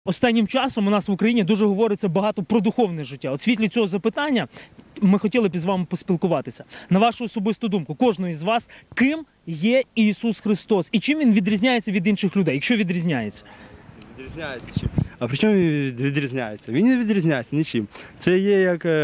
Останнім часом у нас в Україні дуже говориться багато про духовне життя. От в світлі цього запитання ми хотіли б із вами поспілкуватися. На вашу особисту думку, кожного із вас, ким є Ісус Христос? І чим Він відрізняється від інших людей, якщо відрізняється? Відрізняється чим? А при чому він відрізняється? Він не відрізняється нічим. Це є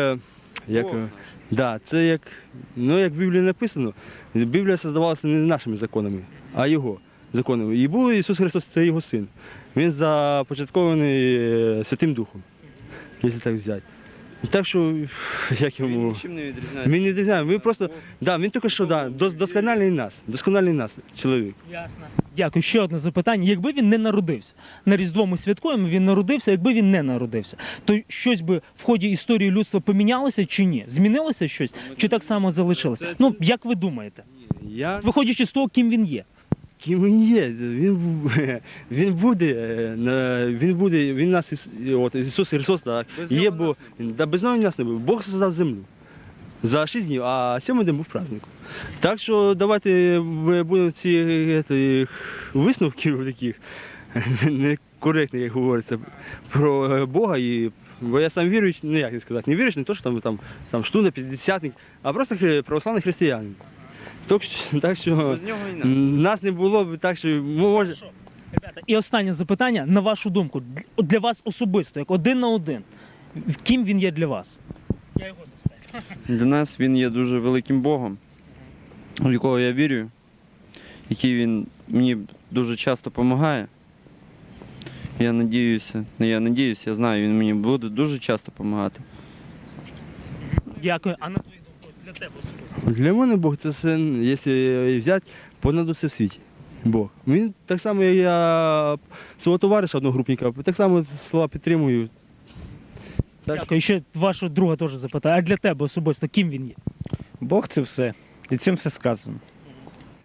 це як в Біблії написано. Біблія создавалася не нашими законами, а Його законами. І був Ісус Христос, це Його Син. Він започаткований Святим Духом, якщо так взяти. Так що, як йому... Він нічим не відрізняється. Він не відрізняється. Він тільки що, доскональний нас, чоловік. Ясно. Дякую. Ще одне запитання. Якби він не народився, на Різдво ми святкуємо, він народився, якби він не народився, то щось би в ході історії людства помінялося чи ні? Змінилося щось? Чи так само залишилося? Ну, як ви думаєте? Виходячи з того, ким він є. Ким він є? Він нас, Ісус Христос, так, є, бо без нього нас не було. Бог создав землю за 6 днів, а 7-й день був праздником. Так що давайте ми будемо ці висновків таких некоректних, як говориться, про Бога. Бо я сам віруючий, як не сказати, не віруючий, не то, що там штуна, п'ятдесятник, а просто православний християнин. Так що нас не було б, так що може... Ребята, і останнє запитання, на вашу думку, для вас особисто, як один на один, ким він є для вас? Я його запитаю. Для нас він є дуже великим Богом, в якого я вірю, який він мені дуже часто допомагає. Я знаю, він мені буде дуже часто допомагати. Дякую. А на твою думку, для тебе особисто? Для мене Бог це син, якщо взяти, понад усе в світі. Бог. Він так само, як я свого товариша одногрупника, так само слова підтримую. Дякую. І ще вашого друга теж запитаю. А для тебе особисто, ким він є? Бог це все. І цим все сказано.